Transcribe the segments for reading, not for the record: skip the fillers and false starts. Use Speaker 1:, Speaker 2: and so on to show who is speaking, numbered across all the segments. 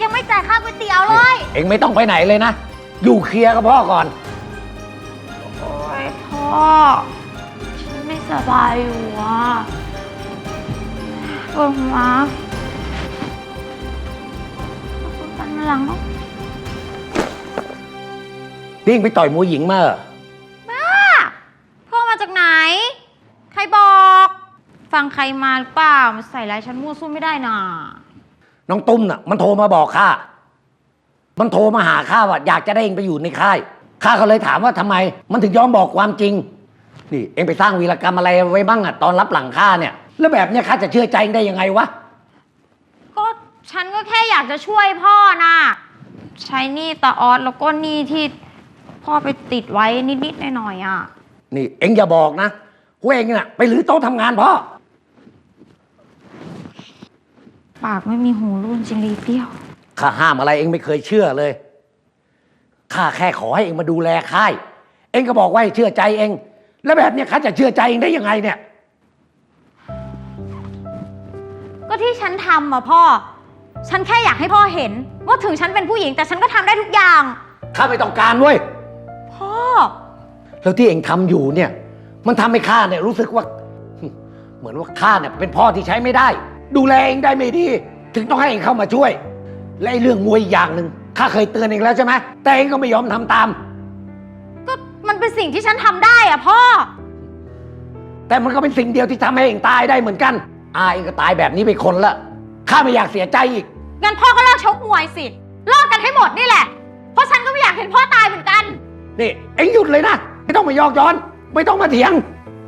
Speaker 1: ยังไม่จ่ายค่าก๋วยเตี๋ยวเลย
Speaker 2: เอ็งไม่ต้องไปไหนเลยนะอยู่เคลียร์กับพ่อก่อน
Speaker 1: โอ๊ยพ่อฉันไม่สบายอยู่อ่ะปวดหัวคุยกันมาหลังเนาะ
Speaker 2: นี่ไปต่อยมวยหญิงมาเหรอ
Speaker 1: บ้าพ่อมาจากไหนใครบอกฟังใครมาหรือเปล่ามาใส่ร้ายฉันมั่วสู้ไม่ได้น่ะ
Speaker 2: น้องตุ้มน่ะมันโทรมาบอกข้ามันโทรมาหาข้าว่าอยากจะได้เองไปอยู่ในค่ายข้าก็เลยถามว่าทำไมมันถึงยอมบอกความจริงนี่เองไปสร้างวีรกรรมอะไรไว้บ้างอะตอนรับหลังข้าเนี่ยแล้วแบบเนี้ยข้าจะเชื่อใจเองได้ยังไงวะ
Speaker 1: ก็ฉันก็แค่อยากจะช่วยพ่อน่ะใช้หนี้ตาออสแล้วก็หนี้ที่พ่อไปติดไว้นิดๆหน่อยๆอ่ะ
Speaker 2: นี่เองอย่าบอกนะว่าเองน่ะไปรื้อโต๊ะทำงานพ่อ
Speaker 1: ปากไม่มีหูรูจริงเลยเปรี้ยว
Speaker 2: ข้าห้ามอะไรเองไม่เคยเชื่อเลยข้าแค่ขอให้เองมาดูแลค่ายเองก็บอกว่าให้เชื่อใจเองแล้วแบบเนี้ยข้าจะเชื่อใจเองได้ยังไงเนี่ย
Speaker 1: ก็ที่ฉันทำอะพ่อฉันแค่อยากให้พ่อเห็นว่าถึงฉันเป็นผู้หญิงแต่ฉันก็ทำได้ทุกอย่าง
Speaker 2: ข้าไม่ต้องการเว้ย
Speaker 1: พ่อ
Speaker 2: แล้วที่เองทำอยู่เนี่ยมันทำให้ข้าเนี่ยรู้สึกว่าเหมือนว่าข้าเนี่ยเป็นพ่อที่ใช้ไม่ได้ดูแลเองได้ไม่ดีถึงต้องให้เองเข้ามาช่วยและไอ้เรื่องมวยอีกอย่างหนึ่งข้าเคยเตือนเองแล้วใช่ไหมแต่เองก็ไม่ยอมทำตาม
Speaker 1: ก็มันเป็นสิ่งที่ฉันทำได้อะพ่อ
Speaker 2: แต่มันก็เป็นสิ่งเดียวที่ทำให้เองตายได้เหมือนกันเองก็ตายแบบนี้ไปคนละข้าไม่อยากเสียใจอีก
Speaker 1: งั้นพ่อก็เลิกชกมวยสิเลิกกันให้หมดนี่แหละเพราะฉันก็ไม่อยากเห็นพ่อตายเหมือนกัน
Speaker 2: นี่เอ็งหยุดเลยนะไม่ต้องมายอกย้อนไม่ต้องมาเถียง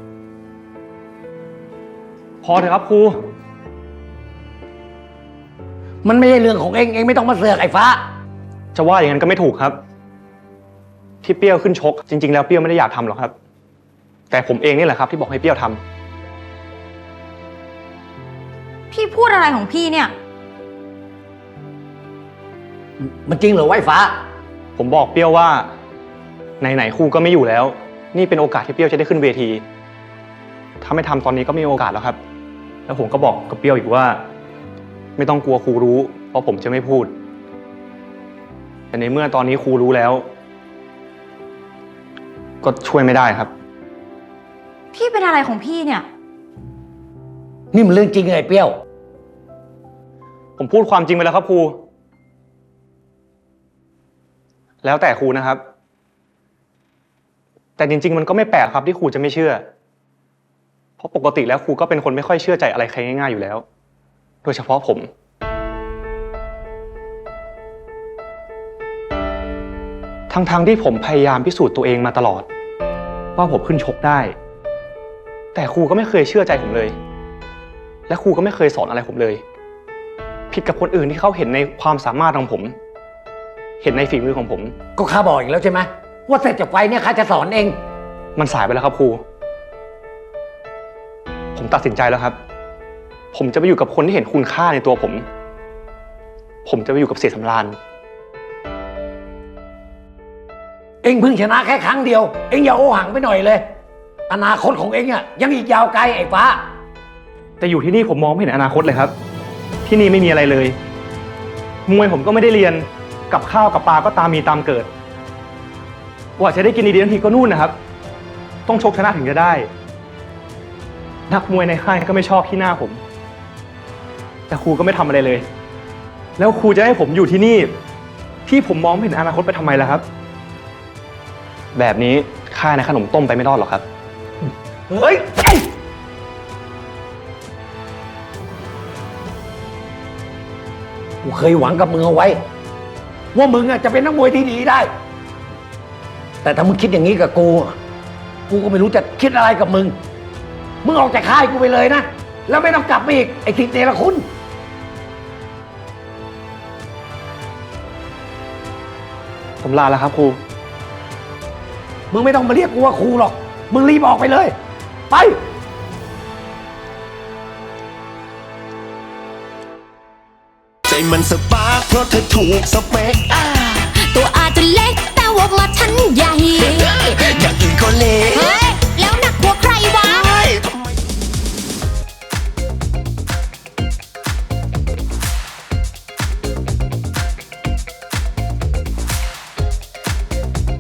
Speaker 3: พอเถอะครับครู
Speaker 2: มันไม่ใช่เรื่องของเอ็งไม่ต้องมาเสือกไอ้ฟ้า
Speaker 3: จะว่าอย่างนั้นก็ไม่ถูกครับที่เปรี้ยวขึ้นชกจริงๆแล้วเปรี้ยวไม่ได้อยากทำหรอกครับแต่ผมเองนี่แหละครับที่บอกให้เปรี้ยวท
Speaker 1: ำพี่พูดอะไรของพี่เนี่ย
Speaker 2: มันจริงเหรอไอ้ฟ้า
Speaker 3: ผมบอกเปรี้ยวว่าไหนๆครูก็ไม่อยู่แล้วนี่เป็นโอกาสที่เปรี้ยวจะได้ขึ้นเวทีถ้าไม่ทำตอนนี้ก็ไม่มีโอกาสแล้วครับแล้วผมก็บอกกับเปรี้ยวอีกว่าไม่ต้องกลัวครูรู้เพราะผมจะไม่พูดแต่ในเมื่อตอนนี้ครูรู้แล้วก็ช่วยไม่ได้ครับ
Speaker 1: พี่เป็นอะไรของพี่เนี่ย
Speaker 2: นี่มันเรื่องจริงไงเปรี้ยว
Speaker 3: ผมพูดความจริงไปแล้วครับครูแล้วแต่ครูนะครับแต่จริงๆมันก็ไม่แปลกครับที่ครูจะไม่เชื่อเพราะปกติแล้วครูก็เป็นคนไม่ค่อยเชื่อใจอะไรใครง่ายๆอยู่แล้วโดยเฉพาะผมทั้งที่ผมพยายามพิสูจน์ตัวเองมาตลอดว่าผมขึ้นชกได้แต่ครูก็ไม่เคยเชื่อใจผมเลยและครูก็ไม่เคยสอนอะไรผมเลยผิดกับคนอื่นที่เขาเห็นในความสามารถของผมเห็นในฝีมือของผม
Speaker 2: ก็ข้าบอกอีกแล้วใช่ไหมว่าเสร็จจากไฟเนี่ยข้าจะสอนเอง
Speaker 3: มันสายไปแล้วครับครูผมตัดสินใจแล้วครับผมจะไปอยู่กับคนที่เห็นคุณค่าในตัวผมจะไปอยู่กับเสียสำราญ
Speaker 2: เอ็งเพิ่งชนะแค่ครั้งเดียวเอ็งอย่าโอหังไปหน่อยเลยอนาคตของเอ็งอ่ะยังอีกยาวไกลไอ้ฟ้า
Speaker 3: แต่อยู่ที่นี่ผมมองไม่เห็นอนาคตเลยครับที่นี่ไม่มีอะไรเลยมวยผมก็ไม่ได้เรียนกับข้าวกับปลาก็ตามมีตามเกิดกว่าจะได้กินดีๆทันทีก็นู่นนะครับต้องชกชนะถึงจะได้นักมวยในค่ายก็ไม่ชอบที่หน้าผมแต่ครูก็ไม่ทำอะไรเลยแล้วครูจะให้ผมอยู่ที่นี่ที่ผมมองไม่เห็นอนาคตไปทำไมล่ะครับแบบนี้ค่ายในขนมต้มไปไม่รอดหรอกครับ
Speaker 2: เฮ้ยกูเคยหวังกับมึงเอาไว้ว่ามึงอ่ะจะเป็นนักมวยที่ดีได้แต่ถ้ามึงคิดอย่างนี้กับกูก็ไม่รู้จะคิดอะไรกับมึงออกจากค่ายกูไปเลยนะแล้วไม่ต้องกลับมาอีกไอ้ทิศเนรคุณ
Speaker 3: ผมลาแล้วครับครู
Speaker 2: มึงไม่ต้องมาเรียกกูว่าครูหรอกมึงรีบออกไปเลยไป
Speaker 4: ใจมันสปาร์คเพราะเธอถูกสเปค
Speaker 5: ตัวอาจจะเล็กแต่วงละฉันใหญ่
Speaker 4: อย่างอื่นก็เล็ก